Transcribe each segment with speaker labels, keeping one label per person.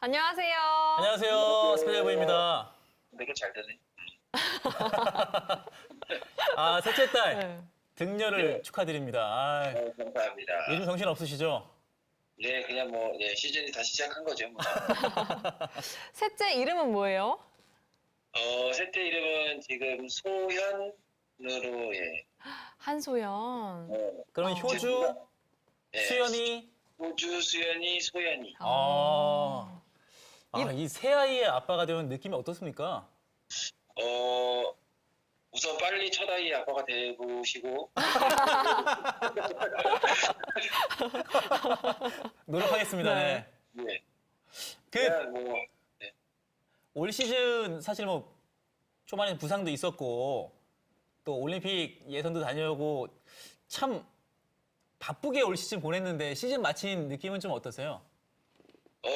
Speaker 1: 안녕하세요.
Speaker 2: 안녕하세요. 스페셜부입니다.
Speaker 3: 되게 잘 되네.
Speaker 2: 아, 셋째 딸
Speaker 1: 네.
Speaker 2: 등려를
Speaker 3: 네.
Speaker 2: 축하드립니다. 아,
Speaker 3: 감사합니다.
Speaker 2: 요즘 정신 없으시죠?
Speaker 3: 네, 그냥 뭐 시즌이 다시 시작한 거죠. 뭐.
Speaker 1: 셋째 이름은 뭐예요?
Speaker 3: 셋째 이름은 지금 소현으로
Speaker 1: 한소연.
Speaker 2: 그러면
Speaker 1: 어.
Speaker 2: 효주,
Speaker 3: 예,
Speaker 2: 수연이.
Speaker 3: 호주, 수연이, 소연이.
Speaker 2: 아, 이 새 아이의 아빠가 되면 느낌이 어떻습니까?
Speaker 3: 우선 빨리 첫 아이 아빠가 되보시고
Speaker 2: 노력하겠습니다.
Speaker 1: 네.
Speaker 2: 네.
Speaker 3: 네,
Speaker 2: 그
Speaker 3: 그냥 뭐
Speaker 2: 올 시즌 사실 뭐 초반에 부상도 있었고 또 올림픽 예선도 다녀오고 참 바쁘게 올 시즌 보냈는데 시즌 마친 느낌은 좀 어떠세요?
Speaker 3: 어,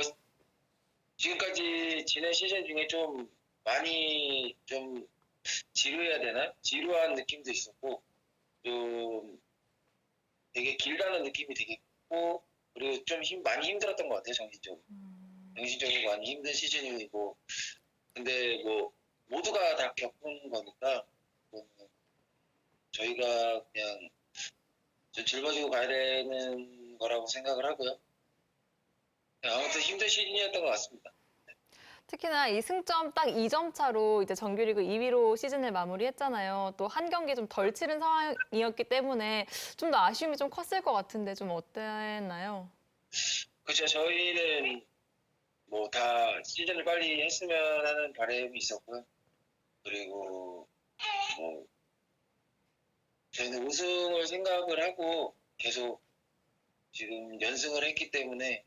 Speaker 3: 지금까지 지난 시즌 중에 좀 많이 좀 지루해야 되나? 지루한 느낌도 있었고 좀 되게 길다는 느낌이 되게 있고 그리고 좀 많이 힘들었던 것 같아요. 정신적으로 많이 힘든 시즌이고 근데 뭐 모두가 다 겪은 거니까 뭐 저희가 그냥 좀 짊어지고 가야 되는 거라고 생각을 하고요. 아무튼 힘든 시즌이었던 것 같습니다.
Speaker 1: 특히나 이 승점 딱 2점 차로 이제 정규리그 2위로 시즌을 마무리했잖아요. 또 한 경기 좀 덜 치른 상황이었기 때문에 좀 더 아쉬움이 좀 컸을 것 같은데 좀 어땠나요?
Speaker 3: 그렇죠. 저희는 뭐 다 시즌을 빨리 했으면 하는 바람이 있었고요. 그리고 뭐 저희는 우승을 생각을 하고 계속 지금 연승을 했기 때문에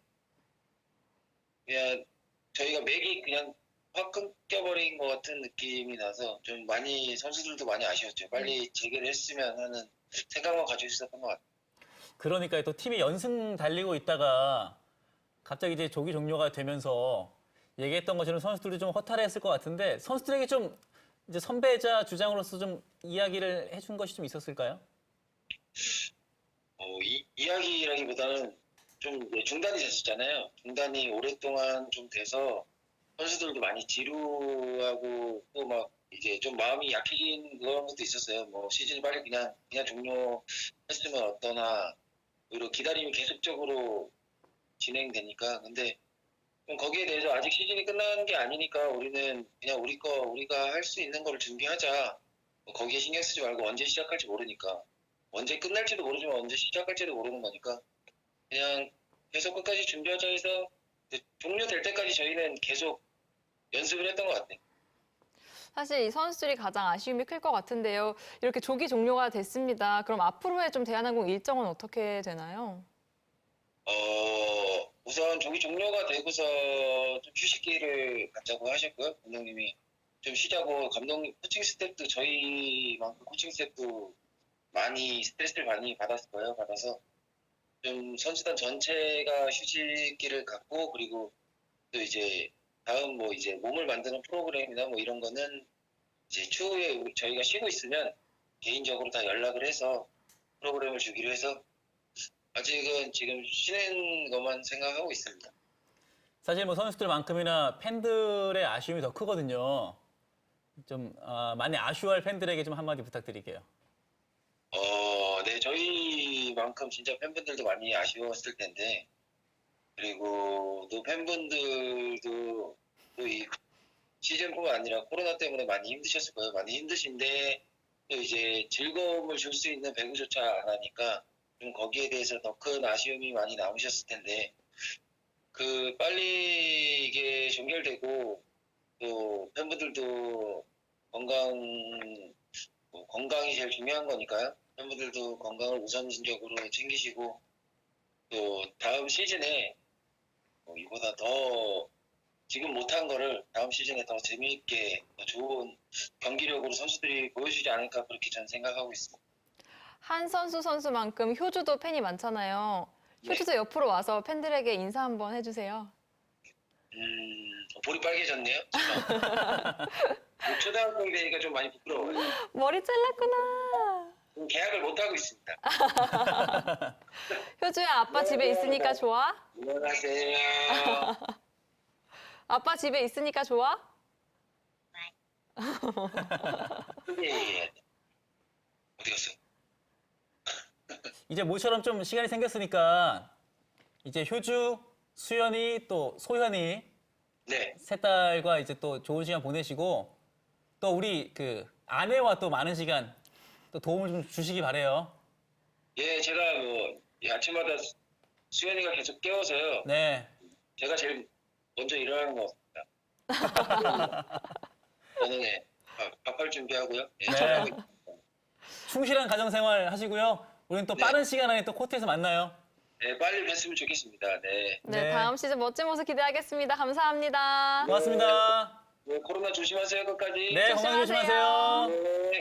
Speaker 3: 그냥 저희가 맥이 그냥 확 끊겨버린 것 같은 느낌이 나서 좀 많이 선수들도 많이 아쉬웠죠. 빨리 재개를 했으면 하는 생각만 가지고 있었던 것 같아요.
Speaker 2: 그러니까 또 팀이 연승 달리고 있다가 갑자기 이제 조기 종료가 되면서 얘기했던 것처럼 선수들도 좀 허탈했을 것 같은데 선수들에게 좀 이제 선배자 주장으로서 좀 이야기를 해준 것이 좀 있었을까요?
Speaker 3: 이야기라기보다는 좀 중단이 됐었잖아요. 중단이 오랫동안 좀 돼서 선수들도 많이 지루하고 또 막 이제 좀 마음이 약해진 그런 것도 있었어요. 뭐 시즌 빨리 그냥 종료했으면 어떠나 오히려 기다림이 계속적으로 진행되니까 근데 좀 거기에 대해서 아직 시즌이 끝나는 게 아니니까 우리는 그냥 우리가 할 수 있는 거를 준비하자. 뭐 거기에 신경 쓰지 말고 언제 시작할지 모르니까 언제 끝날지도 모르지만 언제 시작할지도 모르는 거니까 그냥 계속 끝까지 준비하자 해서 종료될 때까지 저희는 계속 연습을 했던 것 같아요.
Speaker 1: 사실 이 선수들이 가장 아쉬움이 클 것 같은데요. 이렇게 조기 종료가 됐습니다. 그럼 앞으로의 좀 대한항공 일정은 어떻게 되나요?
Speaker 3: 우선 조기 종료가 되고서 좀 휴식기를 갖자고 하셨고요. 감독님이 좀 쉬자고 코칭 스태프도 저희만큼 코칭 스태프도 많이 스트레스를 많이 받았을 거예요. 받아서 좀 선수단 전체가 휴식기를 갖고 그리고 또 이제 다음 뭐 이제 몸을 만드는 프로그램이나 뭐 이런 거는 이제 추후에 저희가 쉬고 있으면 개인적으로 다 연락을 해서 프로그램을 주기로 해서 아직은 지금 쉬는 것만 생각하고 있습니다.
Speaker 2: 사실 뭐 선수들만큼이나 팬들의 아쉬움이 더 크거든요. 좀 많이 아쉬워할 팬들에게 좀 한마디 부탁드릴게요.
Speaker 3: 네, 저희만큼 진짜 팬분들도 많이 아쉬웠을 텐데 그리고 또 팬분들도 또 이 시즌뿐만 아니라 코로나 때문에 많이 힘드셨을 거예요. 많이 힘드신데 또 이제 즐거움을 줄 수 있는 배구조차 안 하니까 좀 거기에 대해서 더 큰 아쉬움이 많이 남으셨을 텐데 그 빨리 이게 종결되고 또 팬분들도 건강이 제일 중요한 거니까요. 팬분들도 건강을 우선적으로 챙기시고 또 다음 시즌에 이보다 더 지금 못한 거를 다음 시즌에 더 재미있게 더 좋은 경기력으로 선수들이 보여주지 않을까 그렇게 저는 생각하고 있습니다.
Speaker 1: 한 선수만큼 효주도 팬이 많잖아요.
Speaker 3: 네.
Speaker 1: 효주도 옆으로 와서 팬들에게 인사 한번 해주세요.
Speaker 3: 볼이 빨개졌네요. 초등학생 되니까 좀 많이 부끄러워요.
Speaker 1: 머리 잘랐구나.
Speaker 3: 계약을 못 하고 있습니다.
Speaker 1: 효주야, 아빠 집에 있으니까 좋아?
Speaker 3: 안녕하세요.
Speaker 1: 아빠 집에 있으니까 좋아?
Speaker 3: 예. 어디 갔어?
Speaker 2: 이제 모처럼 좀 시간이 생겼으니까 이제 효주, 수연이 또 소현이
Speaker 3: 네.
Speaker 2: 세 딸과 이제 또 좋은 시간 보내시고 또 우리 그 아내와 또 많은 시간 또 도움을 좀 주시기 바래요.
Speaker 3: 예, 제가 뭐 아침마다 수연이가 계속 깨워서요.
Speaker 2: 네.
Speaker 3: 제가 제일 먼저 일어나는 것 같습니다. 저는 밥할 준비하고요. 예,
Speaker 2: 네.
Speaker 3: 잘하고 있습니다.
Speaker 2: 충실한 가정생활 하시고요. 우리는 또
Speaker 3: 네.
Speaker 2: 빠른 시간 안에 또 코트에서 만나요.
Speaker 3: 네, 빨리 뵀으면 좋겠습니다. 네.
Speaker 1: 네,
Speaker 2: 네.
Speaker 1: 다음 시즌 멋진 모습 기대하겠습니다. 감사합니다.
Speaker 2: 고맙습니다.
Speaker 3: 네, 코로나 조심하세요, 끝까지.
Speaker 2: 네, 건강
Speaker 1: 조심하세요.
Speaker 2: 조심하세요.
Speaker 3: 네.